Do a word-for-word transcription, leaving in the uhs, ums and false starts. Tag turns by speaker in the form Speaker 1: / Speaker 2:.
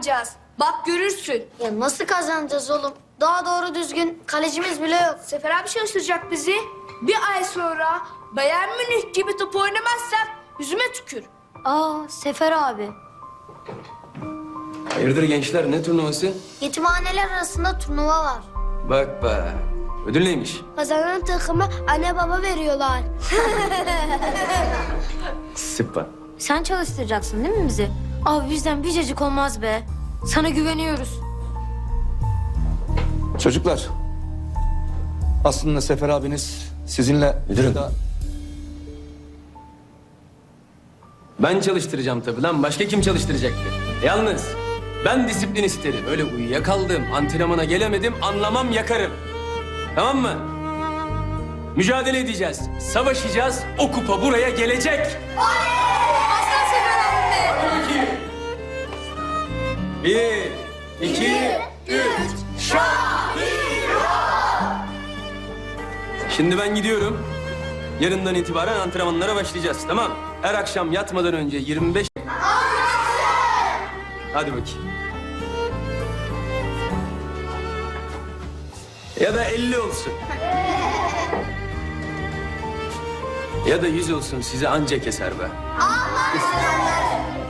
Speaker 1: kazanacağız. Bak görürsün.
Speaker 2: Ya nasıl kazanacağız oğlum? Daha doğru düzgün kalecimiz bile yok.
Speaker 1: Sefer abi çalıştıracak bizi. Bir ay sonra Bayern Münih gibi top oynamazsak yüzüme tükür.
Speaker 2: Aa Sefer abi.
Speaker 3: Hayırdır gençler, ne turnuvası?
Speaker 2: Yetimhaneler arasında turnuva var.
Speaker 3: Bak bak. Ödül neymiş?
Speaker 2: Kazanan takımı anne baba veriyorlar.
Speaker 3: Süper.
Speaker 4: Sen çalıştıracaksın değil mi bizi? Abi bizden bir cacık olmaz be. Sana güveniyoruz.
Speaker 5: Çocuklar, aslında Sefer abiniz sizinle...
Speaker 3: Müdürüm. Ben çalıştıracağım tabii lan. Başka kim çalıştıracaktı? Yalnız ben disiplin isterim. Öyle uyuyakaldım, antrenmana gelemedim, anlamam yakarım. Tamam mı? Mücadele edeceğiz, savaşacağız. O kupa buraya gelecek.
Speaker 1: Aslan Sefer abi be.
Speaker 3: Bir, iki, üç. Şimdi ben gidiyorum. Yarından itibaren antrenmanlara başlayacağız, tamam? Her akşam yatmadan önce yirmi beş... Hadi bakayım. Ya da elli olsun. Ya da yüz olsun, sizi anca keser be.